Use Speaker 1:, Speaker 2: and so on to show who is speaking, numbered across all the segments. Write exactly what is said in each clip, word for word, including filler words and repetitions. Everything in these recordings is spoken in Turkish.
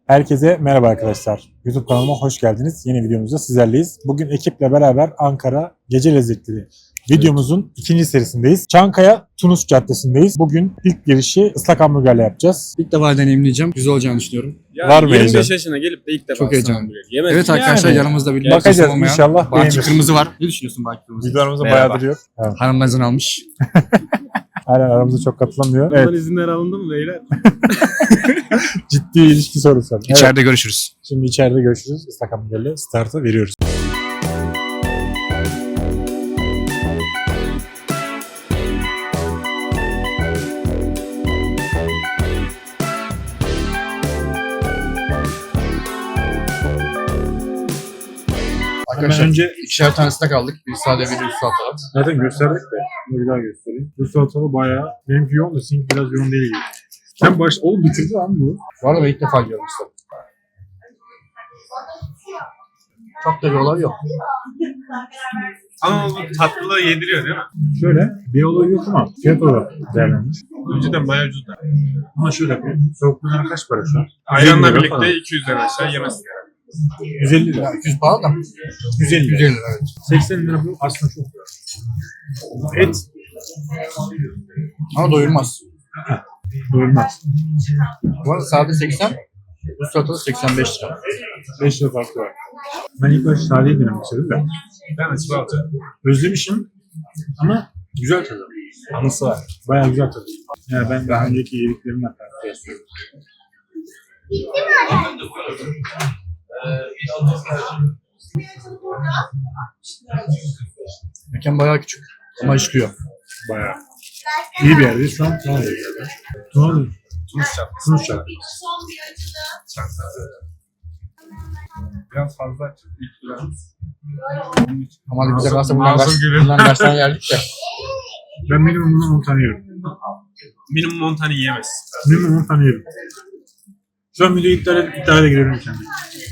Speaker 1: Herkese merhaba arkadaşlar. YouTube kanalıma hoş geldiniz. Yeni videomuzda sizlerleyiz. Bugün ekiple beraber Ankara Gece Lezzetleri videomuzun evet. ikinci serisindeyiz. Çankaya Tunus Caddesi'ndeyiz. Bugün ilk girişi ıslak hamburgerle yapacağız.
Speaker 2: İlk defa deneyimleyeceğim. Güzel olacağını düşünüyorum.
Speaker 3: Yani
Speaker 1: Var mı
Speaker 3: yirmi beş
Speaker 1: heyecan?
Speaker 3: yaşına gelip de ilk defa
Speaker 2: Çok heyecanlı.
Speaker 3: Yemedim.
Speaker 2: Evet arkadaşlar
Speaker 1: Yani.
Speaker 2: yanımızda bir
Speaker 1: Bakacağız
Speaker 2: olmayan
Speaker 1: inşallah
Speaker 2: Baki
Speaker 1: beğenir.
Speaker 2: Kırmızı var. Ne düşünüyorsun Baki Kırmızı?
Speaker 1: Videolarımızda
Speaker 3: Merhaba.
Speaker 1: bayağı duruyor. Evet.
Speaker 2: Hanımdan almış.
Speaker 1: Aynen aramızda çok katılamıyor.
Speaker 3: Bundan
Speaker 1: Evet.
Speaker 3: izinler alındı mı beyler?
Speaker 1: Ciddi ilişki sorusu. Evet.
Speaker 2: İçeride görüşürüz.
Speaker 1: Şimdi içeride görüşürüz. Islak hamburgerle startı veriyoruz.
Speaker 2: Arkadaşlar
Speaker 1: önce-
Speaker 2: ikişer tanesine kaldık. Bir sade bir salata.
Speaker 1: Zaten gösterdik de. Bunu bir daha göstereyim. Bu salatalı bayağı. Benimki yoğun da seninki biraz yoğun değil gibi. Sen baş... Oğlum bitirdi lan bu.
Speaker 2: Bu arada ben ilk defa yiyorum işte. Çok da bir olay yok.
Speaker 3: Ama bu tatlılığı yediriyor değil mi?
Speaker 1: Şöyle bir olay yok ama fiyat olarak değerlenmiş.
Speaker 3: Önceden bayağı ucuzdu.
Speaker 1: Ama şöyle bir soğukluğuna kaç para şu an?
Speaker 3: Ayranla
Speaker 1: yüz elli lira
Speaker 3: birlikte
Speaker 1: falan.
Speaker 3: iki yüzden aşağı yemezsin yani.
Speaker 1: yüz elli lira.
Speaker 2: Yani iki yüz pahalı da.
Speaker 1: yüz elli
Speaker 2: yüz
Speaker 1: lira.
Speaker 2: elli lira evet.
Speaker 1: seksen lira bu aslında çok. Et
Speaker 2: Ama doyurmaz.
Speaker 1: doyurmaz.
Speaker 2: Bu arada sade seksen, bu salata seksen beş lira.
Speaker 1: beş lira farkı var. Ben ilk başta sadeyi denemek istedim de.
Speaker 3: Ben açık alacağım.
Speaker 1: Özlemişim ama güzel tadı.
Speaker 3: Anısı var.
Speaker 1: Bayağı güzel tadı. Yani ben daha önceki yediklerimle kıyaslıyorum.
Speaker 2: Mekan bayağı küçük ama işliyor.
Speaker 1: Bayağı. İyi bir yerdeyiz. Şu an Tunalı'da bir yerde. Tunalı.
Speaker 3: Tunus çarptı.
Speaker 1: Tunus Çarpı.
Speaker 3: Biraz fazla açık. İlk lira.
Speaker 2: Ama hadi bize kalsa bundan
Speaker 3: Masum
Speaker 2: kaç,
Speaker 3: gibi.
Speaker 2: bundan kaç tane yerdik de.
Speaker 1: Ben minimum bundan on tane yerim.
Speaker 3: Minimum on tane yiyemez.
Speaker 1: Minimum on tane yerim. Şu an videoyu iptal edip iptal de girerim kendime.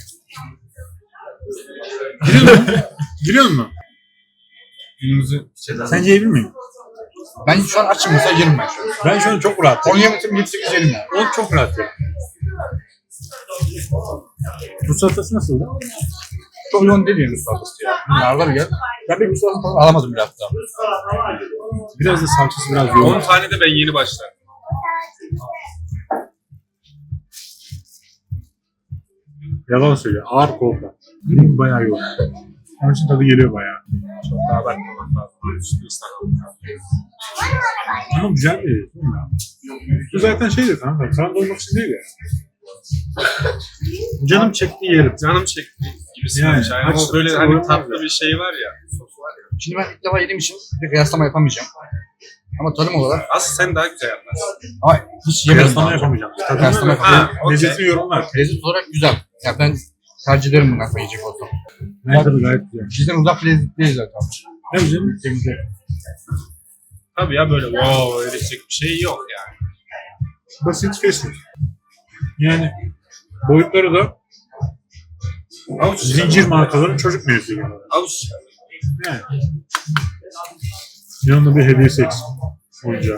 Speaker 1: Giriyor mu? Giriyor mu?
Speaker 3: Günümüzü şeyden.
Speaker 1: Sence yiyebilir miyim?
Speaker 2: Ben şu an açım mesela yerim ben şu an.
Speaker 1: Ben şu an çok rahat.
Speaker 2: on yemedim yedi sekiz yerim yani.
Speaker 1: O çok rahat ya. Bu salatası nasıldı?
Speaker 2: Çok yoğun değil yani salatası ya. Narlar gel. Ben bir salatası falan alamadım bir hafta.
Speaker 1: Biraz da salçası biraz yoğun.
Speaker 3: on tane de ben yeni başladım.
Speaker 1: Yalan söylüyor. Ağır kolpa. Benim bayağı yoğun. Onun için tadı geliyor bayağı.
Speaker 3: Çok daha bakmamak lazım. Üstü ıslanalım.
Speaker 1: Ama güzel bir değil mi ya? Bu zaten şeydir kanka. Karnı doymak için değil ya. Canım çekti yerim.
Speaker 3: Canım çekti gibisi.
Speaker 1: Yani,
Speaker 3: Yani,
Speaker 1: aç-
Speaker 3: o böyle
Speaker 1: aç-
Speaker 3: hani
Speaker 1: aç-
Speaker 3: tatlı bir şey var ya. Sos var ya.
Speaker 2: Şimdi ben ilk defa yediğim için bir kıyaslama yapamayacağım. Ama tadım olarak
Speaker 3: Aslında sen daha güzel yaparsın.
Speaker 2: ama hiç yemedim.
Speaker 1: Kıyaslama
Speaker 2: daha.
Speaker 1: yapamayacağım.
Speaker 2: Kıyaslama
Speaker 1: Tadını
Speaker 2: yapamayacağım.
Speaker 3: Ha, okey.
Speaker 1: lezzetli yorumlar.
Speaker 2: Lezzet olarak güzel. Ya ben tercih ederim bundan sonra yiyecek olsam.
Speaker 1: Ben tadı gayet güzel.
Speaker 2: Bizden uzak bir lezzet değil zaten.
Speaker 1: Ne güzel.
Speaker 2: Temizle.
Speaker 3: Tabii ya böyle wow edecek bir şey yok yani.
Speaker 1: Basit fast food. Yani boyutları da
Speaker 3: Avuç
Speaker 1: zincir markaların çocuk menüsü gibi.
Speaker 3: Avuç.
Speaker 1: Yani. Yanında bir hediyesi eksik. Oyuncağı.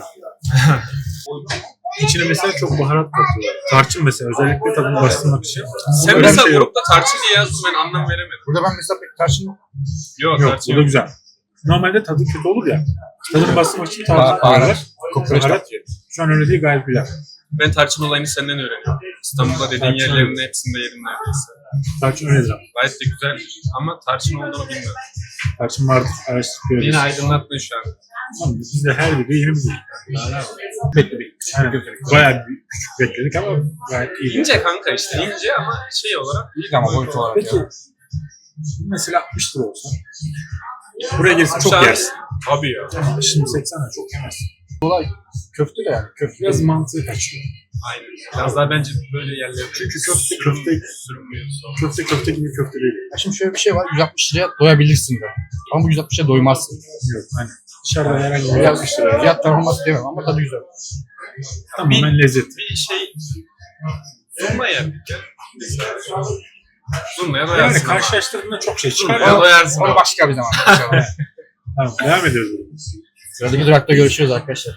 Speaker 1: İçine mesela çok baharat katıyorlar. Tarçın mesela özellikle tadını bastırmak için.
Speaker 3: Sen
Speaker 1: Öyle bir
Speaker 3: mesela
Speaker 1: şey yok.
Speaker 3: grupta tarçın diye yazdın ben anlam veremedim.
Speaker 2: Burada ben mesela pek tarçın
Speaker 3: Yok,
Speaker 1: Yok,
Speaker 3: tarçın
Speaker 1: bu da güzel. Normalde tadı kötü olur ya. Tadını bastırmak için tarçın
Speaker 2: Baharat,
Speaker 1: koyarlar.
Speaker 2: kokoreç
Speaker 1: Baharat.
Speaker 2: katıyor.
Speaker 1: Şu an öyle değil, gayet güzel.
Speaker 3: Ben tarçın olayını senden öğreniyorum. İstanbul'da dediğin
Speaker 1: Tarçın
Speaker 3: yerlerin
Speaker 1: evet.
Speaker 3: hepsinde yedim neredeyse.
Speaker 1: Tarçın öyledir ama.
Speaker 3: Gayet de güzel ama tarçın olduğunu bilmiyorum.
Speaker 1: Tarçın vardır. Araştırıp
Speaker 3: Beni aydınlattın şu an.
Speaker 1: Tamam, biz de her video yeni bir video.
Speaker 2: Bekledik.
Speaker 1: Yani bayağı bir küçük bekledik ama gayet iyi.
Speaker 3: İnce kanka işte ince ama şey olarak.
Speaker 2: İyi ama boyut olarak
Speaker 1: Peki
Speaker 2: ya.
Speaker 1: mesela altmış lira olsa buraya gelirsin çok
Speaker 3: Aşağı-
Speaker 1: yersin.
Speaker 3: Tabii ya.
Speaker 1: Ama şimdi seksen lira çok yemezsin.
Speaker 2: Olay köfte de yani. Köfte.
Speaker 1: Biraz mantığı kaçıyor.
Speaker 3: Aynen. Biraz daha bence böyle yerlerde.
Speaker 1: Çünkü köfte
Speaker 3: sürüm-
Speaker 1: köfte
Speaker 3: sürünmüyor sonra.
Speaker 1: köfte köfte gibi köfte değil.
Speaker 2: Ya şimdi şöyle bir şey var. yüz altmış liraya doyabilirsin de. Ama bu yüz altmış liraya doymazsın.
Speaker 1: Yok hani dışarıda herhangi bir
Speaker 2: Fiyat,
Speaker 1: altmış lira.
Speaker 2: fiyat performansı demem ama tadı güzel.
Speaker 1: Tamamen lezzet.
Speaker 3: Bir şey sunma yaptık ya. Mesela. Sunmaya
Speaker 1: Yani
Speaker 3: doyarsın ama.
Speaker 1: karşılaştırdığında çok şey çıkar
Speaker 3: Sunmaya
Speaker 1: ya.
Speaker 3: doyarsın
Speaker 2: Onu
Speaker 3: ama.
Speaker 2: başka bir zaman. inşallah.
Speaker 1: Tamam devam ediyoruz.
Speaker 2: Sıradaki durakta görüşürüz arkadaşlar.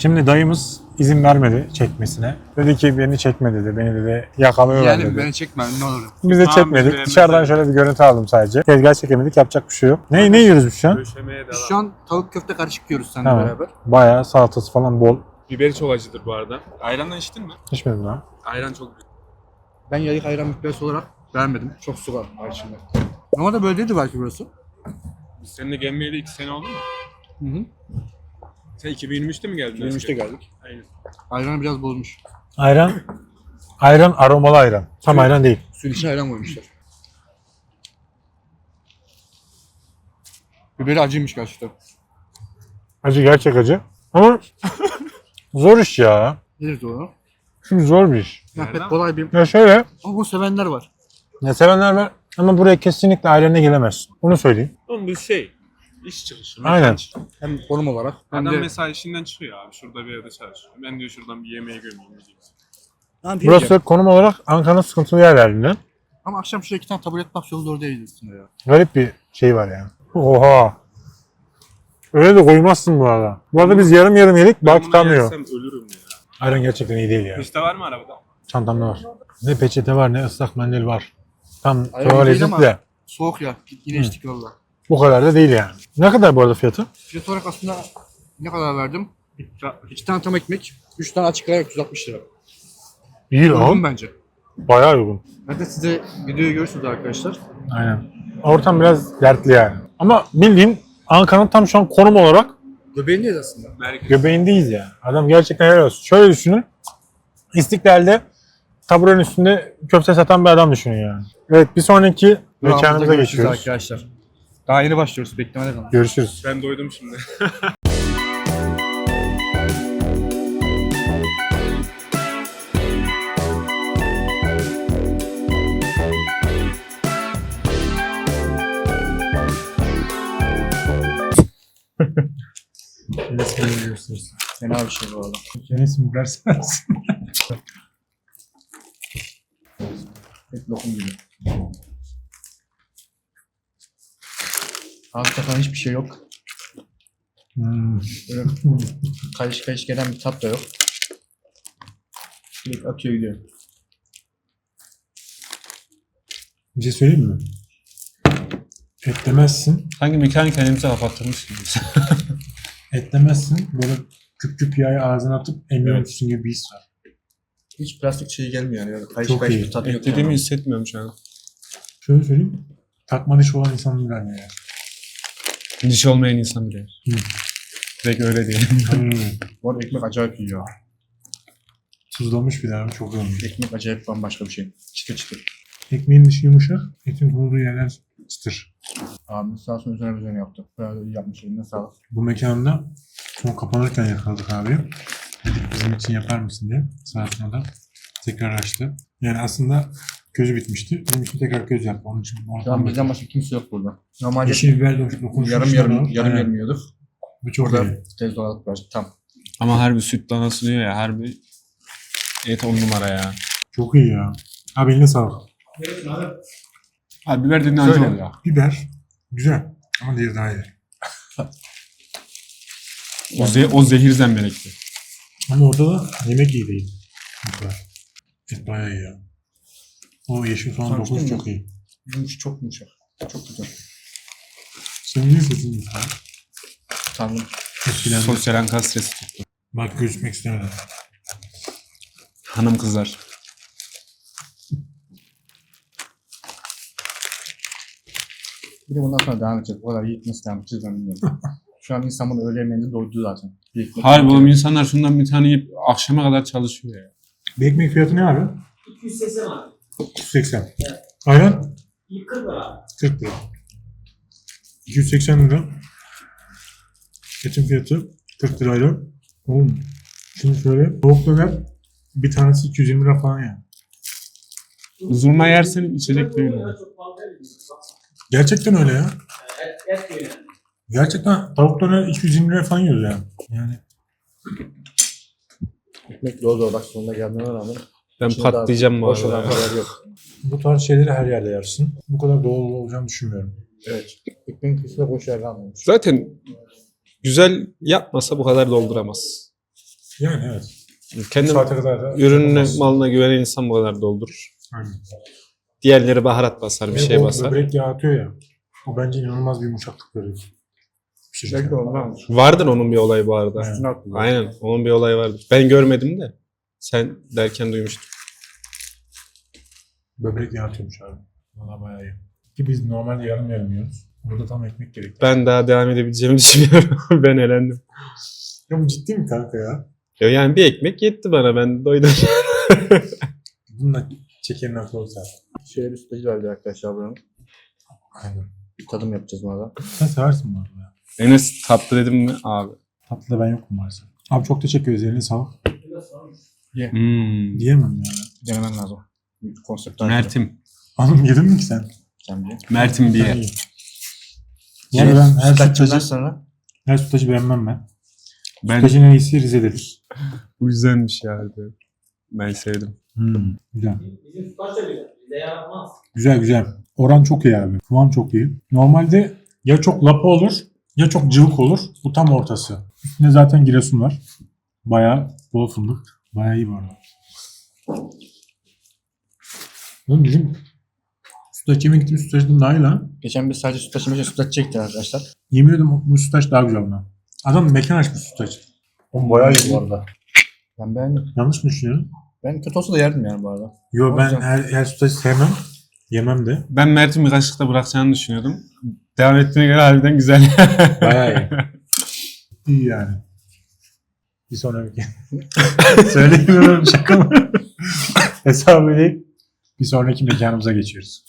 Speaker 1: Şimdi dayımız izin vermedi çekmesine. Dedi ki beni çekme dedi. Beni dedi yakalıyorlar
Speaker 2: Yani
Speaker 1: dedi.
Speaker 2: beni çekme ne olur.
Speaker 1: Biz de
Speaker 3: Tamam,
Speaker 1: çekmedik.
Speaker 3: biz de
Speaker 1: Dışarıdan
Speaker 3: yemedik.
Speaker 1: şöyle bir görüntü aldım sadece. Tezgah çekemedik. Yapacak bir şey yok. Ne, ne yiyoruz biz şu an?
Speaker 3: Döşemeye devam.
Speaker 2: Şu an tavuk köfte karışık yiyoruz seninle
Speaker 1: Tamam.
Speaker 2: beraber.
Speaker 1: Bayağı salatası falan bol.
Speaker 3: Biberi çok acıdır bu arada. Ayrandan içtin mi?
Speaker 1: İçmedim lan.
Speaker 3: Ayran çok güzel.
Speaker 2: Ben yayık ayran müptelası olarak beğenmedim. Çok su var var içinde. Normalde böyle değildi belki burası.
Speaker 3: Biz seninle gelmeyeli iki sene oldu mu?
Speaker 2: Hı hı.
Speaker 3: Sen iki bin yirmi üçte mi geldin?
Speaker 2: yirmi üçte geldik.
Speaker 3: Aynen.
Speaker 2: Ayranı biraz bozmuş.
Speaker 1: Ayran. Ayran aromalı ayran. Tam ayran değil.
Speaker 2: Suyun içine ayran koymuşlar. Biberi acıymış gerçekten.
Speaker 1: Acı gerçek acı. Ama zor iş ya.
Speaker 2: Nedir doğru?
Speaker 1: Şimdi zor bir iş.
Speaker 2: Ya
Speaker 3: Nereden?
Speaker 2: pek kolay bir...
Speaker 1: Ya şöyle.
Speaker 2: Ama bunu sevenler var.
Speaker 1: Ya sevenler var ama buraya kesinlikle ailenle gelemezsin. Onu söyleyeyim.
Speaker 3: Oğlum bu şey. İş çıkışı.
Speaker 1: Aynen.
Speaker 3: mekan çıkışı.
Speaker 2: Hem konum olarak hem
Speaker 3: Adam
Speaker 2: de...
Speaker 3: mesela işinden çıkıyor abi. Şurada bir yerde çalışıyor. Ben diyor şuradan bir yemeğe gömeyim diyecek.
Speaker 2: Tamam,
Speaker 1: Burası
Speaker 2: diyeceğim.
Speaker 1: konum olarak Ankara'nın sıkıntılı yerlerinden.
Speaker 2: Ama akşam şuraya iki tane taburet bak yolu doğru değil aslında ya.
Speaker 1: Garip bir şey var yani. Oha. Öyle de koymazsın bu arada. Bu arada biz yarım yarım yedik.
Speaker 3: Ben
Speaker 1: Bak
Speaker 3: bunu
Speaker 1: tutamıyor.
Speaker 3: yersem ölürüm ya.
Speaker 1: Ayran gerçekten iyi değil ya.
Speaker 3: Peçete var mı arabada?
Speaker 1: Çantamda var. Ne peçete var ne ıslak mendil var. Tam
Speaker 2: Ayran
Speaker 1: tuvalet
Speaker 2: değil ama-
Speaker 1: de.
Speaker 2: Soğuk ya. Yine
Speaker 1: Hı.
Speaker 2: içtik valla.
Speaker 1: Bu kadar da değil yani. Ne kadar bu arada fiyatı?
Speaker 2: Fiyat olarak aslında ne kadar verdim? İki tane tam ekmek, üç tane açık ayran yüz altmış lira.
Speaker 1: İyi
Speaker 2: Uygun
Speaker 1: lan.
Speaker 2: bence.
Speaker 1: Bayağı uygun.
Speaker 2: Ben de size videoyu görürsünüz arkadaşlar.
Speaker 1: Aynen. Ortam biraz dertli yani. Ama bildiğin Ankara'nın tam şu an konum olarak
Speaker 2: Göbeğindeyiz aslında.
Speaker 3: Merkez.
Speaker 1: göbeğindeyiz ya. Adam gerçekten helal olsun. Şöyle düşünün. İstiklal'de taburenin üstünde köfte satan bir adam düşünün yani. Evet, bir sonraki mekanımıza
Speaker 2: Durağımızda görüşürüz
Speaker 1: geçiyoruz.
Speaker 2: arkadaşlar. Daha yeni başlıyoruz. Beklemede kalın.
Speaker 1: Görüşürüz.
Speaker 3: Ben doydum şimdi.
Speaker 1: Resmini gösteririz.
Speaker 2: Fena bir şey bu arada.
Speaker 1: Resmi verseniz.
Speaker 2: Pek lokum gibi. Hakikaten hiçbir şey yok.
Speaker 1: Hmm.
Speaker 2: Böyle kayış kayış gelen bir tat da yok. Direkt atıyor gidiyor.
Speaker 1: Bir şey söyleyeyim mi? Etlemezsin.
Speaker 4: Hangi mekan kendimize kapattırmış gibiyiz.
Speaker 1: Etlemezsin. Böyle küp küp yağı ağzına atıp emiyormuşsun gibi bir his var.
Speaker 2: Hiç plastik şey gelmiyor yani. Böyle kayış
Speaker 1: Çok
Speaker 2: kayış
Speaker 1: iyi.
Speaker 2: bir tat yok.
Speaker 4: Dediğimi
Speaker 2: yani.
Speaker 4: hissetmiyorum şu an.
Speaker 1: Şöyle söyleyeyim. Takma diş olan insanın yani.
Speaker 4: Diş olmayan insan bile.
Speaker 1: Hı.
Speaker 4: Direkt öyle değil.
Speaker 1: Hmm.
Speaker 2: Bu arada ekmek acayip iyi ya.
Speaker 1: Tuzlamış bir daha. Çok iyi olmuş.
Speaker 2: Ekmek acayip bambaşka bir şey. Çıtır çıtır.
Speaker 1: Ekmeğin dışı yumuşak. Etin olduğu yerler çıtır.
Speaker 2: Abi sağ olsun üzerine üzerine yaptı. Böyle iyi yapmış eline sağlık.
Speaker 1: Bu mekanda son kapanırken yakaladık abi. Dedik bizim için yapar mısın diye. Sağ sonra da tekrar açtı. Yani aslında közü bitmişti. Bizim için tekrar köz yaptı. Onun için
Speaker 2: Şu an bizden başka kimse yok burada. Normalde
Speaker 1: yeşil biber de dokunmuş.
Speaker 2: yarım yarım yarım yarım yiyorduk.
Speaker 1: Bu çok
Speaker 2: Burada
Speaker 1: iyi.
Speaker 2: tez olarak var. Tam.
Speaker 4: Ama harbi süt danası diyor ya, harbi et on numara ya.
Speaker 1: Çok iyi ya. Abi eline sağlık.
Speaker 4: Abi biber dediğin acı
Speaker 2: Söyle.
Speaker 4: oluyor.
Speaker 1: Biber güzel ama diğeri daha iyi.
Speaker 4: O, ze o zehir zemberekti.
Speaker 1: Ama orada da yemek iyi değil. Bu kadar. Et bayağı iyi ya. O yeşil soğan
Speaker 2: Sonuçta
Speaker 1: dokunuş
Speaker 2: mı?
Speaker 1: çok iyi.
Speaker 2: Yumuş çok yumuşak. Çok güzel.
Speaker 1: Senin niye sesin güzel?
Speaker 2: Tanrım.
Speaker 1: Etkilendim.
Speaker 4: Sosyal anka stresi tuttu.
Speaker 1: Bak gözükmek istemedim.
Speaker 4: Hanım kızar.
Speaker 2: Bir de bundan sonra devam edeceğiz. Bu kadar yiyip nasıl devam edeceğiz ben bilmiyorum. Şu an insan bunu öğle yemeğinde doydu zaten. Bir ekmek
Speaker 4: Harbi
Speaker 2: yiyince-
Speaker 4: oğlum, insanlar şundan bir tane yiyip akşama kadar çalışıyor ya.
Speaker 1: Bir ekmek fiyatı ne abi?
Speaker 5: iki yüz seksen abi.
Speaker 1: iki yüz seksen. Ayran?
Speaker 5: kırk lira.
Speaker 1: kırk lira. iki yüz seksen lira. Etin fiyatı kırk lirayla. Oğlum. Şimdi şöyle tavuk döner bir tanesi iki yüz yirmi lira falan yani.
Speaker 4: Zurna yersen içecek değil mi?
Speaker 5: Çok fazla değil.
Speaker 1: Gerçekten öyle ya.
Speaker 5: Et, et yiyor yani.
Speaker 1: Gerçekten tavuk döner iki yüz yirmi lira falan yiyoruz yani. Yani
Speaker 2: Ekmek dolu dolu bak sonuna gelmene rağmen.
Speaker 4: Ben
Speaker 2: içinde
Speaker 4: patlayacağım bu
Speaker 2: daha boş olan
Speaker 4: arada.
Speaker 2: kadar yok.
Speaker 1: bu tarz şeyleri her yerde yersin. Bu kadar doğal olacağını düşünmüyorum.
Speaker 2: Evet. Ekmeğin kıyısında boş yer kalmamış.
Speaker 4: Zaten güzel yapmasa bu kadar dolduramaz.
Speaker 1: Yani evet.
Speaker 4: Kendi
Speaker 1: Saate kadar da
Speaker 4: ürününe,
Speaker 1: olmaz.
Speaker 4: malına güvenen insan bu kadar doldurur.
Speaker 1: Aynen.
Speaker 4: Diğerleri baharat basar, bir
Speaker 1: Ve
Speaker 4: şey
Speaker 1: o
Speaker 4: basar.
Speaker 1: Böbrek yağı atıyor ya. O bence inanılmaz bir yumuşaklık veriyor. Pişirirken.
Speaker 2: Belki de ondan.
Speaker 4: Vardır onun bir olayı bu arada.
Speaker 1: Evet.
Speaker 2: Üstüne attılar.
Speaker 4: Aynen, onun bir olayı vardır. Ben görmedim de. Sen derken duymuştum.
Speaker 1: Böbrek yağı atıyormuş abi. Valla bayağı iyi. Ki biz normalde yarım yarım yiyoruz. Burada tam ekmek gerekiyor.
Speaker 4: Ben daha devam edebileceğimi düşünüyorum. Ben elendim.
Speaker 1: Ya bu ciddi mi kanka ya?
Speaker 4: Ya yani bir ekmek yetti bana, ben doydum.
Speaker 1: Bununla çekerin aklı olsa.
Speaker 2: Şöyle bir sütlacı verdi arkadaşlar buranın.
Speaker 1: Aynen.
Speaker 2: Bir tadım yapacağız buna da.
Speaker 1: Sen seversin bu arada ya.
Speaker 4: Enes tatlı dedim mi abi?
Speaker 1: Tatlıda ben yokum maalesef. Abi çok teşekkür ederiz. Eline sağlık.
Speaker 4: Hmm.
Speaker 1: Diyemem ya.
Speaker 2: Denemen lazım. Konseptten.
Speaker 4: Mert'im.
Speaker 1: Hanım yedin mi ki sen?
Speaker 2: Sen bir.
Speaker 4: Mert'im bir
Speaker 1: Ben
Speaker 4: yer.
Speaker 1: iyiyim. Yani ben her
Speaker 2: Sütlaçından
Speaker 1: sütlacı,
Speaker 2: sonra
Speaker 1: her sütlacı beğenmem ben.
Speaker 4: Ben
Speaker 1: Sütlacın en iyisi Rize'dedir.
Speaker 4: bu güzelmiş ya. Ben sevdim.
Speaker 1: Hmm, güzel.
Speaker 5: Bizim sütaç da güzel. Bize yaratmaz.
Speaker 1: Güzel güzel. Oran çok iyi abi. Kıvam çok iyi. Normalde ya çok lapa olur ya çok cıvık olur. Bu tam ortası. Üstünde zaten Giresun var. Bayağı bol fındık. Bayağı iyi bu arada. Oğlum bizim sütlaç yemek gittiğimiz sütlaçtan daha iyi lan.
Speaker 2: geçen biz sadece sütlaç yemek için sütlaç çektik arkadaşlar.
Speaker 1: Yemin ediyorum bu sütlaç daha güzel bundan. Adam mekan açmış sütlaç. Oğlum bayağı iyi bu arada.
Speaker 2: Ben beğendim.
Speaker 1: Yanlış mı düşünüyorum?
Speaker 2: Ben kötü olsa da yerdim yani bu arada.
Speaker 1: Yo ben
Speaker 2: Güzel.
Speaker 1: her, her sütlaçı sevmem. Yemem de.
Speaker 4: Ben Mert'in bir kaşıkta bırakacağını düşünüyordum. Devam ettiğine göre harbiden güzel.
Speaker 1: Bayağı iyi. İyi yani. Bir sonraki. Söyleyemiyorum şaka mı? Hesabı ödeyip bir sonraki mekanımıza geçiyoruz.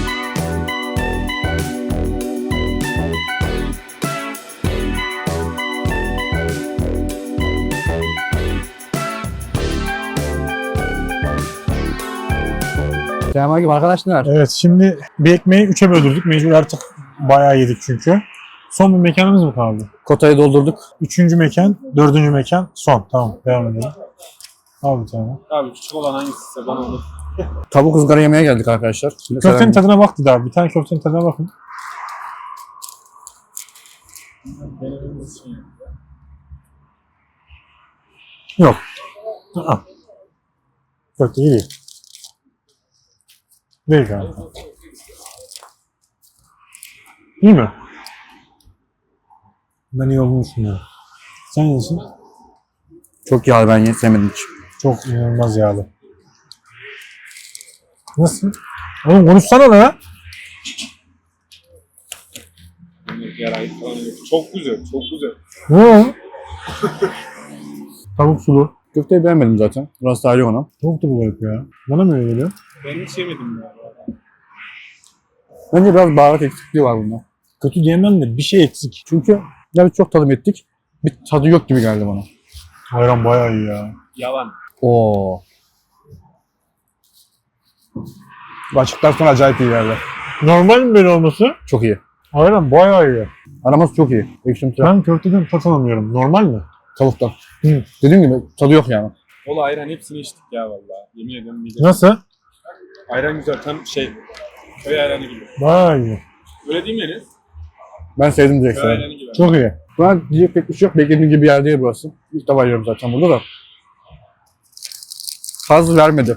Speaker 2: Selamünaleyküm arkadaşlar.
Speaker 1: Evet şimdi bir ekmeği üçe böldürdük. Mecbur artık bayağı yedik çünkü. Son bir mekanımız mı kaldı?
Speaker 2: Kotayı doldurduk.
Speaker 1: Üçüncü mekan, dördüncü mekan son. Tamam devam edelim. Al bir tane.
Speaker 3: Abi küçük olan hangisi bana onu.
Speaker 2: Tavuk ızgara yemeye geldik arkadaşlar. Şimdi
Speaker 1: Köftenin
Speaker 2: selam-
Speaker 1: tadına baktı daha. Bir tane köftenin tadına bakın.
Speaker 3: Denememiz için.
Speaker 1: Yok. Aa. Köfte iyi değil. Değil galiba. İyi mi? Ben iyi olduğunu düşünüyorum. Sen nasılsın?
Speaker 2: Çok yağlı, ben ye- sevmedim hiç.
Speaker 1: Çok inanılmaz yağlı. Nasıl? Oğlum konuşsana lan ya.
Speaker 3: Yarayı falan yok. Çok güzel, çok güzel.
Speaker 1: Ne? Tavuk sulu.
Speaker 2: Köfteyi beğenmedim zaten. Burası ayrı ona.
Speaker 1: Çok da bu garip ya. Bana mı öyle geliyor?
Speaker 3: Ben hiç yemedim ya.
Speaker 2: Bence biraz baharat eksikliği var bunda.
Speaker 1: Kötü diyemem de bir şey eksik.
Speaker 2: Çünkü ya biz çok tadım ettik. Bir tadı yok gibi geldi bana.
Speaker 1: Ayran bayağı iyi ya.
Speaker 3: Yalan.
Speaker 2: Oo. Bu açıktan sonra acayip iyi geldi.
Speaker 1: Normal mi böyle olması?
Speaker 2: Çok iyi.
Speaker 1: Ayran bayağı iyi.
Speaker 2: Araması çok iyi. Ekşimsi.
Speaker 1: Ben köfteden tat alamıyorum. Normal mi?
Speaker 2: Tavuktan.
Speaker 1: Hı.
Speaker 2: Dediğim gibi tadı yok yani.
Speaker 3: Ola ayran hepsini içtik ya vallahi. Yemin ediyorum midem.
Speaker 1: Nasıl?
Speaker 3: Ayran güzel, tam şey. Köy ayranı gibi.
Speaker 1: Bayağı iyi.
Speaker 3: Öyle değil mi Enes?
Speaker 2: Ben sevdim direkt.
Speaker 3: Köy
Speaker 2: sana.
Speaker 3: ayranı gibi.
Speaker 1: Çok iyi.
Speaker 2: Ben diyecek pek bir şey yok. Beklediğim gibi bir yer değil burası. İlk defa yiyorum zaten burada da. Haz vermedi.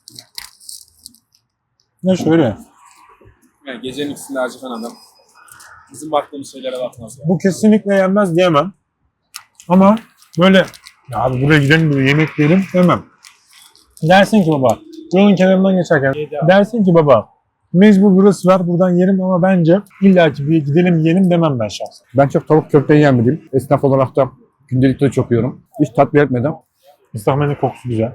Speaker 1: Ne şöyle.
Speaker 3: Yani gecenin ikisinde acıkan adam. Bizim baktığımız şeylere bakmaz ya.
Speaker 1: Bu kesinlikle yenmez diyemem. Ama böyle ya abi buraya gidelim buraya yemek yiyelim demem. Dersin ki baba yolun kenarından geçerken dersin ki baba mecbur burası var buradan yerim ama bence illaki bir gidelim yiyelim demem ben şahsen.
Speaker 2: Ben çok tavuk köfteyi yemedim. Esnaf olarak da gündelikte de çok yiyorum. Hiç tat etmedim.
Speaker 1: İstahmenin kokusu güzel.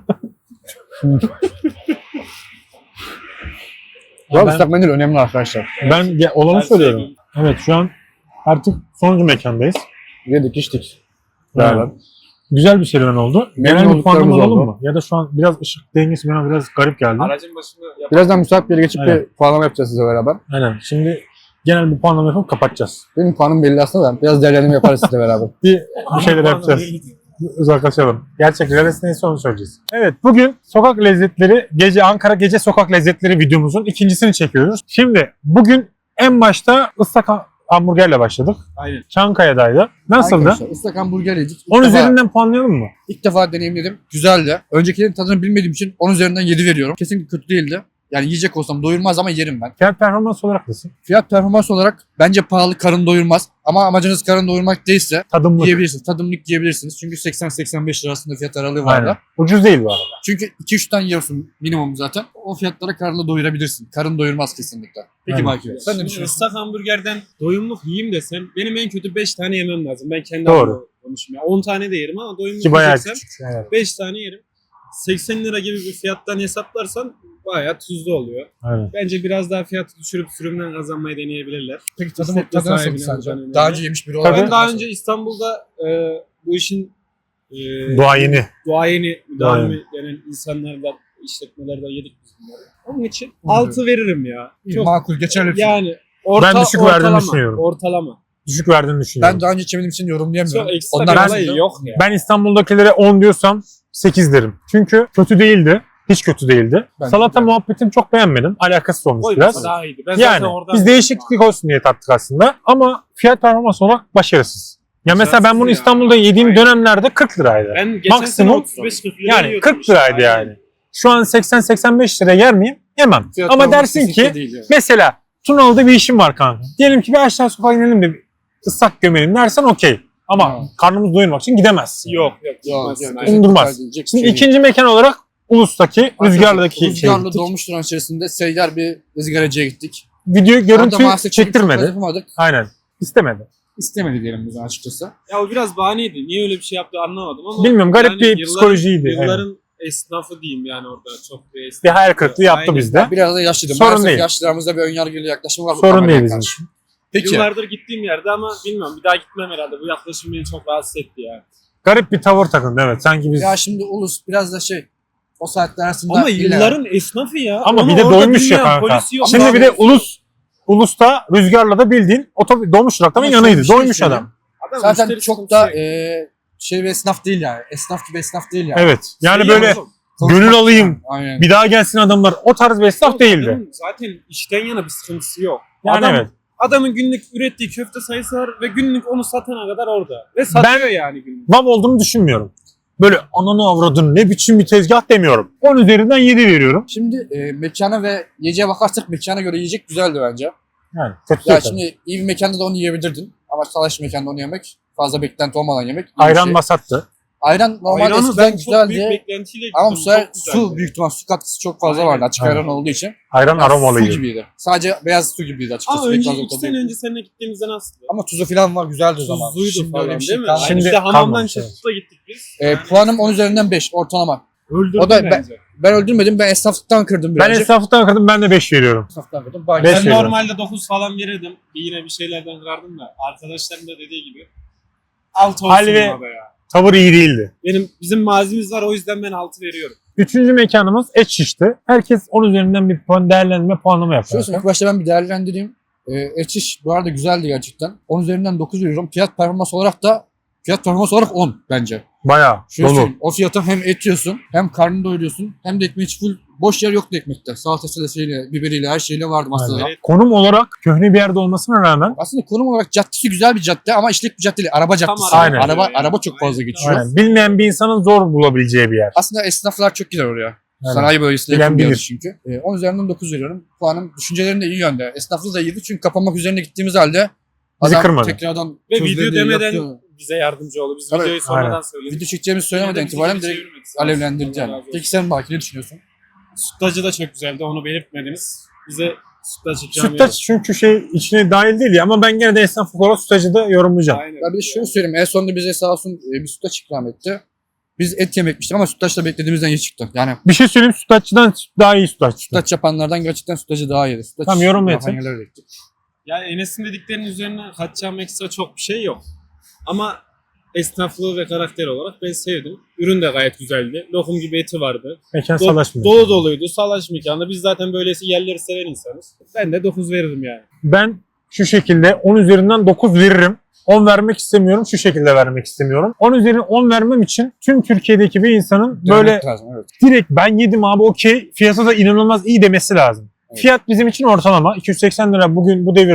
Speaker 2: Bu arada
Speaker 1: Ben-
Speaker 2: ıslak mendil önemli arkadaşlar.
Speaker 1: Ben ge- olanı
Speaker 3: Her
Speaker 1: söylüyorum.
Speaker 3: şey-
Speaker 1: Evet şu an artık sonuncu mekandayız.
Speaker 2: Yedik içtik.
Speaker 1: Evet.
Speaker 2: Beraber.
Speaker 1: Güzel bir serüven oldu.
Speaker 2: Memnun
Speaker 1: Genel bir
Speaker 2: olduklarımız
Speaker 1: puanlama alalım
Speaker 2: oldu.
Speaker 1: mı? Ya da şu an biraz ışık dengesi bana biraz garip geldi.
Speaker 3: Aracın başında yap.
Speaker 2: Birazdan müsait bir yere geçip
Speaker 1: Aynen.
Speaker 2: bir puanlama yapacağız size beraber.
Speaker 1: Aynen. Şimdi genel bir puanlama yapıp kapatacağız.
Speaker 2: Benim puanım belli aslında da biraz değerlendirme yaparız sizle beraber.
Speaker 1: Bir, bir şeyler yapacağız. Uzaklaşalım. Gerçek realist neyse onu söyleyeceğiz. Evet bugün sokak lezzetleri, gece Ankara gece sokak lezzetleri videomuzun ikincisini çekiyoruz. Şimdi bugün en başta ıslak hamburgerle başladık.
Speaker 3: Aynen.
Speaker 1: Çankaya'daydı. Nasıldı?
Speaker 2: Arkadaşlar ıslak hamburger yedik. İlk
Speaker 1: on
Speaker 2: defa-
Speaker 1: üzerinden puanlayalım mı?
Speaker 2: İlk defa deneyimledim. Güzeldi. Öncekilerin tadını bilmediğim için on üzerinden yedi veriyorum. Kesinlikle kötü değildi. Yani yiyecek olsam doyurmaz ama yerim ben.
Speaker 1: Fiyat performans olarak nasıl?
Speaker 2: Fiyat performans olarak bence pahalı, karın doyurmaz. Ama amacınız karın doyurmak değilse
Speaker 1: Tadımlık.
Speaker 2: yiyebilirsiniz. Tadımlık yiyebilirsiniz. Çünkü seksen seksen beş lirasında fiyat aralığı var
Speaker 1: Aynen.
Speaker 2: da.
Speaker 1: Ucuz değil bu arada.
Speaker 2: Çünkü iki üç tane yiyorsun minimum zaten. O fiyatlara karnını doyurabilirsin. Karın doyurmaz kesinlikle. Peki
Speaker 1: Aynen.
Speaker 2: Baki, sen ne
Speaker 3: Şimdi
Speaker 2: düşünüyorsun?
Speaker 3: ıslak hamburgerden doyumluk yiyeyim desem benim en kötü beş tane yemem lazım. Ben kendi
Speaker 1: Doğru.
Speaker 3: adıma konuşayım. on tane de yerim ama doyumluk
Speaker 1: Ki bayağı
Speaker 3: yiyeceksem
Speaker 1: küçük. Evet.
Speaker 3: beş tane yerim. seksen lira gibi bir fiyattan hesaplarsan bayağı tuzlu oluyor.
Speaker 1: Aynen.
Speaker 3: Bence biraz daha fiyatı düşürüp sürümden kazanmayı deneyebilirler.
Speaker 2: Peki tadı,
Speaker 3: İşletme
Speaker 2: tadı nasıl
Speaker 3: sahibine
Speaker 2: sence?
Speaker 3: buradan
Speaker 2: Daha
Speaker 3: önemli.
Speaker 2: önce yemiş biri
Speaker 1: Tabii.
Speaker 2: olarak.
Speaker 3: Ben daha önce İstanbul'da e, bu işin e,
Speaker 1: Duayeni.
Speaker 3: duayeni, müdavimi
Speaker 1: Duayeni.
Speaker 3: denen insanlardan, işletmelerden yedik biz bunları. Onun için
Speaker 2: Hı.
Speaker 3: altı veririm ya.
Speaker 2: İyi,
Speaker 3: Çok
Speaker 2: makul, geçerli. bir şey.
Speaker 3: yani orta,
Speaker 1: Ben düşük verdiğini
Speaker 3: ortalama,
Speaker 1: düşünüyorum.
Speaker 3: Ortalama.
Speaker 1: Düşük verdiğini düşünüyorum.
Speaker 2: Ben daha önce içemediğim için yorumlayamıyorum.
Speaker 3: Çok ekstra
Speaker 2: Onlar
Speaker 3: bir
Speaker 1: ben-
Speaker 3: olay yok ya.
Speaker 1: Ben İstanbul'dakilere on diyorsam sekiz derim. Çünkü kötü değildi. Hiç kötü değildi.
Speaker 2: Ben-
Speaker 1: Salata
Speaker 2: ben-
Speaker 1: muhabbetini çok beğenmedim. Alakasız olmuş
Speaker 3: Koy
Speaker 1: biraz.
Speaker 3: daha iyiydi. Ben
Speaker 1: Yani
Speaker 3: zaten oradan
Speaker 1: biz değişiklik olsun diye tattık aslında. Ama fiyat performans olarak başarısız. Ya mesela ben bunu
Speaker 3: ya.
Speaker 1: İstanbul'da yediğim
Speaker 3: Aynen.
Speaker 1: dönemlerde kırk liraydı.
Speaker 3: Ben geçen sene
Speaker 1: Maksimum
Speaker 3: otuz beş kırk lira
Speaker 1: Yani
Speaker 3: yiyordum
Speaker 1: kırk
Speaker 3: işte.
Speaker 1: liraydı
Speaker 3: Aynen.
Speaker 1: yani. Şu an seksen seksen beş lira yer miyim? Yemem.
Speaker 2: Fiyat
Speaker 1: Ama
Speaker 2: performans
Speaker 1: dersin
Speaker 2: kesinlikle
Speaker 1: ki
Speaker 2: değil yani.
Speaker 1: mesela Tunalı'da bir işim var kanka. Diyelim ki bir aşağı sokağa inelim de bir ıslak gömelim dersen okey. Ama
Speaker 2: Ha.
Speaker 1: karnımızı doyurmak için gidemezsin.
Speaker 3: Yok yok.
Speaker 2: Yok,
Speaker 3: gitmezsin,
Speaker 2: yok,
Speaker 3: aynen.
Speaker 1: Onu durmaz.
Speaker 2: Diyecek bir
Speaker 1: Şimdi
Speaker 2: şey değil.
Speaker 1: ikinci mekan olarak Ulus'taki Rüzgarlı'daki şey
Speaker 2: Rüzgarlı
Speaker 1: gittik.
Speaker 2: dolmuş duran içerisinde seyyar bir ızgaracıya gittik.
Speaker 1: Video
Speaker 2: Orada
Speaker 1: görüntü
Speaker 2: maalesef çok
Speaker 1: çektirmedi.
Speaker 2: yapamadık.
Speaker 1: Aynen. İstemedi.
Speaker 2: İstemedi diyelim biz açıkçası.
Speaker 3: Ya o biraz bahaneydi. Niye öyle bir şey yaptı anlamadım ama.
Speaker 1: Bilmiyorum, garip
Speaker 3: yani
Speaker 1: bir
Speaker 3: yılların-
Speaker 1: psikolojiydi.
Speaker 3: Yılların
Speaker 1: Aynen.
Speaker 3: esnafı diyeyim yani orada. Çok bir esnaf.
Speaker 1: Bir hayal kırıklığı yaptı
Speaker 3: Aynen.
Speaker 1: bizde.
Speaker 2: Biraz da yaşlıydı.
Speaker 1: Sorun
Speaker 2: Maalesef
Speaker 1: değil.
Speaker 2: yaşlılarımızda bir önyargılı yaklaşım var. bu
Speaker 1: Sorun
Speaker 2: kameraya
Speaker 1: değil bizim
Speaker 2: karşı.
Speaker 1: için.
Speaker 2: Peki.
Speaker 3: Yıllardır gittiğim yerde ama bilmiyorum bir daha gitmem herhalde. Bu yaklaşım beni çok rahatsız etti ya.
Speaker 1: Garip bir tavır takındı evet. Sanki biz
Speaker 2: Ya şimdi Ulus biraz da şey o saatler arasında
Speaker 3: Ama
Speaker 2: illa-
Speaker 3: yılların esnafı ya.
Speaker 1: ama
Speaker 3: Onu
Speaker 1: bir de
Speaker 3: orada
Speaker 1: doymuş ya
Speaker 3: bilmeyen
Speaker 1: kanka.
Speaker 3: polisi yok.
Speaker 1: Şimdi bir de
Speaker 3: Abi,
Speaker 1: Ulus Ulus'ta Rüzgar'la da bildiğin otobüs dolmuş durakta
Speaker 2: Ama
Speaker 1: yanıydı.
Speaker 2: şöyle bir şey
Speaker 1: Doymuş
Speaker 2: söyleyeyim.
Speaker 1: adam.
Speaker 3: adam
Speaker 2: zaten
Speaker 3: müşteri
Speaker 2: çok
Speaker 3: sıkıntısı
Speaker 2: da
Speaker 3: yok.
Speaker 2: e, şey bir esnaf değil yani. Esnaf gibi esnaf değil yani.
Speaker 1: Evet. Yani
Speaker 3: Şey
Speaker 1: böyle
Speaker 3: yapalım.
Speaker 1: gönül alayım.
Speaker 2: Aynen.
Speaker 1: Bir daha gelsin adamlar. O tarz bir esnaf değildi.
Speaker 3: Adamın zaten işten yana bir sıkıntısı yok.
Speaker 1: Yani
Speaker 3: Adam,
Speaker 1: evet.
Speaker 3: Adamın günlük ürettiği köfte sayısı var ve günlük onu satana kadar orada. Ve satıyor yani günlük.
Speaker 1: Vav olduğunu düşünmüyorum. Böyle ananı avradın ne biçim bir tezgah demiyorum. on üzerinden yedi veriyorum.
Speaker 2: Şimdi e, mekana ve yiyeceğe bakarsak mekana göre yiyecek güzeldi bence.
Speaker 1: Yani kötü
Speaker 2: Ya
Speaker 1: değil tabii.
Speaker 2: şimdi iyi bir mekanda da onu yiyebilirdin. Ama salaş mekanda onu yemek fazla beklenti olmadan yemek. iyi bir
Speaker 1: Ayran
Speaker 2: şey.
Speaker 1: basattı.
Speaker 2: Ayran normal
Speaker 3: Ayranı
Speaker 2: eskiden
Speaker 3: ben çok büyük
Speaker 2: güzeldi.
Speaker 3: beklentiyle gittim.
Speaker 2: Ama bu sefer
Speaker 3: çok güzeldi.
Speaker 2: su büyük ihtimal su katkısı çok fazla
Speaker 3: Aynen.
Speaker 2: vardı açık
Speaker 1: Aynen.
Speaker 2: ayran olduğu için.
Speaker 1: Ayran
Speaker 2: Yani
Speaker 1: aromalıydı.
Speaker 2: Su gibiydi. Sadece beyaz su gibiydi açıkçası.
Speaker 3: Ama
Speaker 2: Pek
Speaker 3: önce
Speaker 2: fazla
Speaker 3: iki
Speaker 2: tadı
Speaker 3: sene
Speaker 2: yoktu.
Speaker 3: önce seninle gittiğimizde nasıldı?
Speaker 2: Ama tuzu falan var güzeldi o zaman.
Speaker 3: Tuzluydu
Speaker 2: Şimdi
Speaker 3: falan
Speaker 2: öyle bir şey
Speaker 3: değil mi?
Speaker 2: kalmadı.
Speaker 3: Şimdi
Speaker 1: Şimdi
Speaker 3: hamamdan
Speaker 1: kalmamış,
Speaker 3: çıkıp da gittik biz.
Speaker 2: E,
Speaker 3: Yani
Speaker 2: puanım on üzerinden beş ortalama.
Speaker 3: öldürdü
Speaker 2: o da ben-
Speaker 3: bence.
Speaker 2: Ben öldürmedim. Ben esnaflıktan kırdım
Speaker 1: Ben
Speaker 2: birazcık.
Speaker 1: esnaflıktan kırdım ben de beş veriyorum.
Speaker 2: esnaflıktan kırdım. Bak,
Speaker 1: Beş
Speaker 3: Ben
Speaker 1: veriyorum.
Speaker 3: normalde dokuz falan verirdim. Bir yine bir şeylerden kırardım da. Arkadaşlarım da dediği gibi. altı olsun
Speaker 1: Halil ve-
Speaker 3: abi ya.
Speaker 1: Tavır iyi değildi.
Speaker 3: Benim, bizim mazimiz var o yüzden ben altı veriyorum.
Speaker 1: Üçüncü mekanımız et şişti. Herkes on üzerinden bir puan değerlendirme puanlama yapıyor.
Speaker 2: Şöyle söyleyeyim, ilk başta ben bir değerlendireyim. E, et şiş bu arada güzeldi gerçekten. on üzerinden dokuz veriyorum. Fiyat performans olarak da fiyat performans olarak on bence.
Speaker 1: Bayağı
Speaker 2: Şöyle
Speaker 1: dolu.
Speaker 2: söyleyeyim, o fiyata hem et yiyorsun hem karnını doyuruyorsun hem de ekmeği hiç full boş yer yoktu ekmekte. Salatası da şeyle, biberiyle her şeyle vardı masada.
Speaker 1: Aynen. Konum olarak köhne bir yerde olmasına rağmen
Speaker 2: Aslında konum olarak caddesi güzel bir cadde ama işlek bir cadde değil. Araba caddesi.
Speaker 1: Aynen.
Speaker 2: Araba,
Speaker 3: Yani.
Speaker 2: araba çok fazla geçiyor.
Speaker 1: aynen, bilmeyen bir insanın zor bulabileceği bir yer.
Speaker 2: Aslında esnaflar çok gider oraya.
Speaker 1: Aynen.
Speaker 2: Sanayi bölgesine
Speaker 1: Bilen
Speaker 2: yakın bir yer
Speaker 1: bilir.
Speaker 2: çünkü. Ee, on üzerinden dokuz veriyorum. Puanım düşüncelerim de iyi yönde. Esnaflığı da iyiydi çünkü kapanmak üzerine gittiğimiz halde
Speaker 1: Bizi
Speaker 2: adam
Speaker 1: kırmadı.
Speaker 2: tekrardan
Speaker 3: Ve
Speaker 2: tuzlu
Speaker 3: video
Speaker 2: dedi,
Speaker 3: demeden
Speaker 2: yaptı.
Speaker 3: bize yardımcı oldu. Biz
Speaker 2: Tabii,
Speaker 3: videoyu sonradan
Speaker 1: aynen.
Speaker 3: söyledik.
Speaker 2: Video çekeceğimizi söylemeden
Speaker 3: Yine de
Speaker 2: itibaren
Speaker 3: bizi
Speaker 2: direkt
Speaker 3: çevirmedi.
Speaker 2: alevlendirdi
Speaker 3: Allah
Speaker 2: yani.
Speaker 3: razı olsun.
Speaker 2: Peki sen Baki ne düşünüyorsun?
Speaker 3: Sütlacı da çok güzeldi. Onu belirtmediniz. Bize sütlaç ikram
Speaker 1: Sütlaç çünkü şey içine dahil değil ya ama ben gene de esnaflık olarak sütlacı da yorumlayacağım.
Speaker 3: Aynen.
Speaker 2: Ya bir de şöyle söyleyeyim. En sonunda bize sağ olsun e, bir sütlaç ikram etti. Biz et yemekmiştik ama sütlaç da beklediğimizden iyi çıktı. Yani
Speaker 1: Bir şey söyleyeyim sütlaççıdan daha iyi sütlaç. çıktı.
Speaker 2: sütlaç yapanlardan gerçekten sütlacı daha iyiydi. Sütlaç
Speaker 1: Tamam, yorum
Speaker 2: yapan
Speaker 1: yeter.
Speaker 2: yerlere gittik.
Speaker 3: Yani Enes'in dediklerinin üzerine katacağım ekstra çok bir şey yok. Ama esnaflığı ve karakter olarak ben sevdim. Ürün de gayet güzeldi. Lokum gibi eti vardı.
Speaker 1: Mekan
Speaker 3: Do-
Speaker 1: salaşmıyor.
Speaker 3: dolu doluydu. Salaş mekanı. Biz zaten böylesi yerleri seven insanız. Ben de dokuz veririm yani.
Speaker 1: Ben şu şekilde on üzerinden dokuz veririm. on vermek istemiyorum. Şu şekilde vermek istemiyorum. on üzerinden on vermem için tüm Türkiye'deki bir insanın böyle
Speaker 2: Denemek lazım, evet.
Speaker 1: direkt ben yedim abi okey fiyatı da inanılmaz iyi demesi lazım.
Speaker 2: Evet.
Speaker 1: Fiyat bizim için ortalama. iki yüz seksen lira bugün bu devirde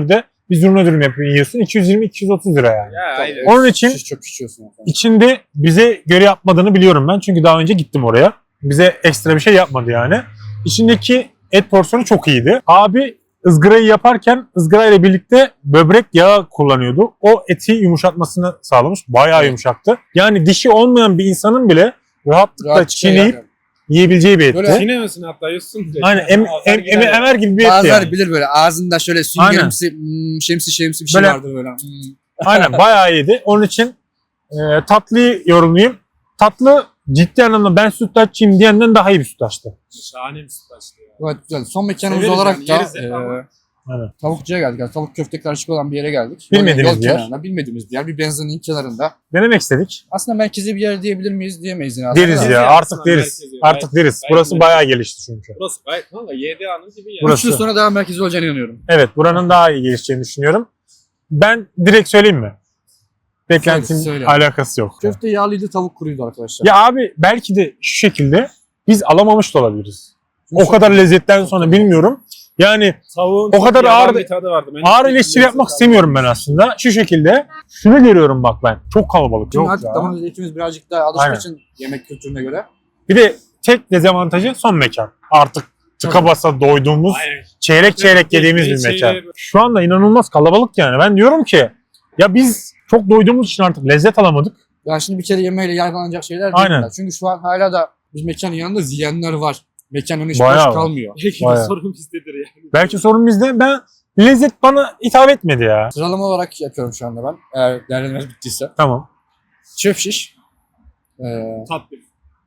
Speaker 1: bir zurna dürüm yapıyor, yiyorsun. iki yüz yirmi iki yüz otuz lira yani.
Speaker 3: Ya aynen.
Speaker 1: Onun için
Speaker 2: Şiş çok pişiyorsun.
Speaker 1: içinde bize göre yapmadığını biliyorum ben. Çünkü daha önce gittim oraya. Bize ekstra bir şey yapmadı yani. İçindeki et porsiyonu çok iyiydi. Abi ızgarayı yaparken ızgara ile birlikte böbrek yağı kullanıyordu. O eti yumuşatmasını sağlamış. Bayağı
Speaker 2: Evet.
Speaker 1: yumuşaktı. Yani dişi olmayan bir insanın bile rahatlıkla
Speaker 2: Rahat şey
Speaker 1: çiğneyip
Speaker 2: yani.
Speaker 1: yiyebileceği bir etti.
Speaker 2: Böyle-
Speaker 3: Çiğnemesin hatta yiyorsun direkt.
Speaker 1: Aynen em,
Speaker 3: Ağzına
Speaker 1: em,
Speaker 3: gider
Speaker 1: eme,
Speaker 3: yani.
Speaker 1: emer gibi bir etti
Speaker 2: Bazıları
Speaker 1: yani.
Speaker 2: bilir böyle ağzında şöyle süngerimsi, hmm, şemsi şemsi bir şey
Speaker 1: Böyle-
Speaker 2: vardır böyle. Hmm.
Speaker 1: Aynen bayağı iyiydi. Onun için e, tatlıyı yorumlayayım. Tatlı ciddi anlamda ben sütlaççıyım diyenden daha iyi bir sütlaçtı.
Speaker 3: Şahane bir sütlaçtı ya.
Speaker 2: Gayet güzel. Son mekanımız
Speaker 3: Severiz
Speaker 2: olarak
Speaker 3: yani,
Speaker 2: da
Speaker 3: yeriz hep
Speaker 2: e,
Speaker 3: ama.
Speaker 1: Aynen.
Speaker 2: tavukçuya geldik. Yani tavuk köfte karışık olan bir yere geldik.
Speaker 1: Bilmediğimiz
Speaker 2: Yol
Speaker 1: bir yer.
Speaker 2: kenarında, bilmediğimiz bir yer. Bir benzinin kenarında.
Speaker 1: Denemek istedik.
Speaker 2: Aslında merkezi bir yer diyebilir miyiz diyemeyiz yine.
Speaker 1: Deriz
Speaker 2: aslında.
Speaker 1: ya
Speaker 3: ya,
Speaker 1: artık
Speaker 3: aslında
Speaker 1: deriz.
Speaker 3: merkezi.
Speaker 1: Artık
Speaker 3: Gayet-
Speaker 1: deriz.
Speaker 3: gayet
Speaker 1: Burası
Speaker 3: merkezi.
Speaker 1: bayağı gelişti çünkü.
Speaker 3: Burası gayet kanka Y D A'nın gibi ya.
Speaker 1: Burası.
Speaker 2: Üç yıl sonra daha merkezi olacağına inanıyorum.
Speaker 1: Evet buranın daha iyi gelişeceğini düşünüyorum. Ben direkt söyleyeyim mi? Beklentim
Speaker 2: Söyle, söyle.
Speaker 1: alakası yok.
Speaker 2: Köfte yağlıydı, tavuk kuruydu arkadaşlar.
Speaker 1: Ya abi belki de şu şekilde biz alamamış da olabiliriz. O
Speaker 2: Çok-
Speaker 1: kadar lezzetten sonra bilmiyorum. Yani
Speaker 3: Tavuğun
Speaker 1: O
Speaker 3: çok
Speaker 1: kadar
Speaker 3: yavan
Speaker 1: ağır-
Speaker 3: bir tadı vardı. Ben
Speaker 1: ağır
Speaker 3: hiç
Speaker 1: eleştiri
Speaker 3: lezzet
Speaker 1: yapmak
Speaker 3: almadım.
Speaker 1: istemiyorum ben aslında. Şu şekilde şunu görüyorum bak ben. Çok kalabalık.
Speaker 2: Şimdi
Speaker 1: Yok
Speaker 2: artık
Speaker 1: ya.
Speaker 2: damak zevkimiz birazcık daha alıştığı
Speaker 1: Aynen.
Speaker 2: için yemek kültürüne göre.
Speaker 1: Bir de tek dezavantajı son mekan. Artık tıka basa doyduğumuz,
Speaker 3: Aynen.
Speaker 1: çeyrek çeyrek yediğimiz bir
Speaker 3: Şey-
Speaker 1: mekan. Şu anda inanılmaz kalabalık yani. Ben diyorum ki ya biz çok doyduğumuz için artık lezzet alamadık.
Speaker 2: Ya şimdi bir kere yemeğiyle yargılanacak şeyler değil
Speaker 1: Aynen.
Speaker 2: bunlar. Çünkü şu an hala da biz mekanın yanında ziyenler var. Mekanın hiç
Speaker 1: Bayağı
Speaker 2: boş
Speaker 1: var.
Speaker 2: kalmıyor.
Speaker 3: Belki de
Speaker 1: Bayağı.
Speaker 3: sorun bizdedir yani.
Speaker 1: Belki sorun bizde. Ben lezzet bana hitap etmedi ya.
Speaker 2: Sıralama olarak yapıyorum şu anda ben. Eğer değerlendirmeniz bittiyse.
Speaker 1: Tamam.
Speaker 2: Çöp şiş. Ee,
Speaker 3: Tatlı.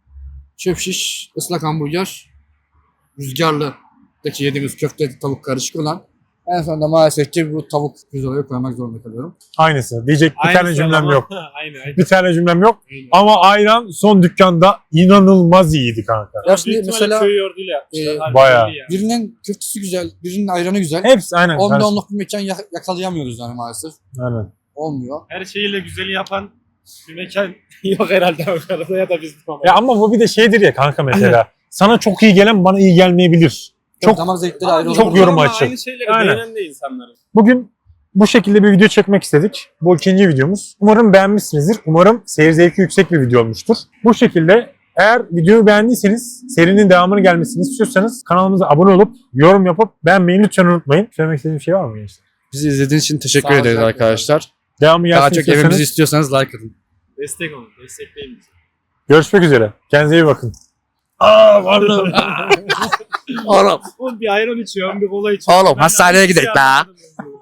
Speaker 2: çöp şiş, ıslak hamburger, rüzgarlı'daki yediğimiz köfte tavuk karışık olan. En sonunda maalesef ki bu tavuk pirzolayı koymak zorunda kalıyorum.
Speaker 1: Aynısı. Diyecek bir
Speaker 3: Aynı
Speaker 1: tane cümlem
Speaker 3: sıralama.
Speaker 1: yok.
Speaker 3: aynen aynen.
Speaker 1: Bir tane cümlem yok.
Speaker 3: aynen.
Speaker 1: Ama ayran son dükkanda inanılmaz iyiydi kanka.
Speaker 2: Ya şimdi
Speaker 3: Büyük ihtimalle
Speaker 2: mesela
Speaker 3: köy yoğurduyla yapmışlar.
Speaker 2: e,
Speaker 3: Harbi
Speaker 1: bayağı.
Speaker 3: belli yani.
Speaker 2: birinin köftesi güzel, birinin ayranı güzel.
Speaker 1: Hepsi aynen.
Speaker 2: Onda
Speaker 1: karışık.
Speaker 2: onluk bir mekan yak- yakalayamıyoruz yani maalesef.
Speaker 1: Aynen.
Speaker 2: Olmuyor.
Speaker 3: Her şeyiyle güzeli yapan bir mekan yok herhalde Ankara'da ya da bizde ama.
Speaker 1: Ya ama bu bir de şeydir ya kanka mesela. Sana çok iyi gelen bana iyi gelmeyebilir.
Speaker 2: Çok
Speaker 1: Çok
Speaker 2: damak zevkleri ayrı
Speaker 1: çok
Speaker 2: olabilir.
Speaker 1: yorum
Speaker 3: Ama
Speaker 1: açık.
Speaker 3: Aynı şeyleri
Speaker 1: Aynen.
Speaker 3: beğenen de insanların.
Speaker 1: Bugün bu şekilde bir video çekmek istedik. Bu ikinci videomuz. Umarım beğenmişsinizdir. Umarım seyir zevki yüksek bir video olmuştur. Bu şekilde eğer videoyu beğendiyseniz, serinin devamını gelmesini istiyorsanız kanalımıza abone olup yorum yapıp beğenmeyi lütfen unutmayın. Söylemek istediğim bir şey var mı gençler?
Speaker 2: Bizi izlediğiniz için teşekkür
Speaker 3: Sağ olun
Speaker 2: ederiz
Speaker 3: arkadaşlar.
Speaker 2: arkadaşlar.
Speaker 1: Devamı
Speaker 2: Daha
Speaker 1: gelsin
Speaker 2: çok
Speaker 1: istiyorsanız
Speaker 2: evimizi istiyorsanız like atın.
Speaker 3: Destek olun. Destekleyin bizi.
Speaker 1: görüşmek üzere. Kendinize iyi bakın. Aa pardon.
Speaker 2: Oğlum,
Speaker 3: Oğlum bir ayran içiyorum, bir kola içiyorum.
Speaker 2: Oğlum,
Speaker 3: Ben
Speaker 2: hastaneye
Speaker 3: hiçbir şey
Speaker 2: gidelim la.
Speaker 3: anlamadım.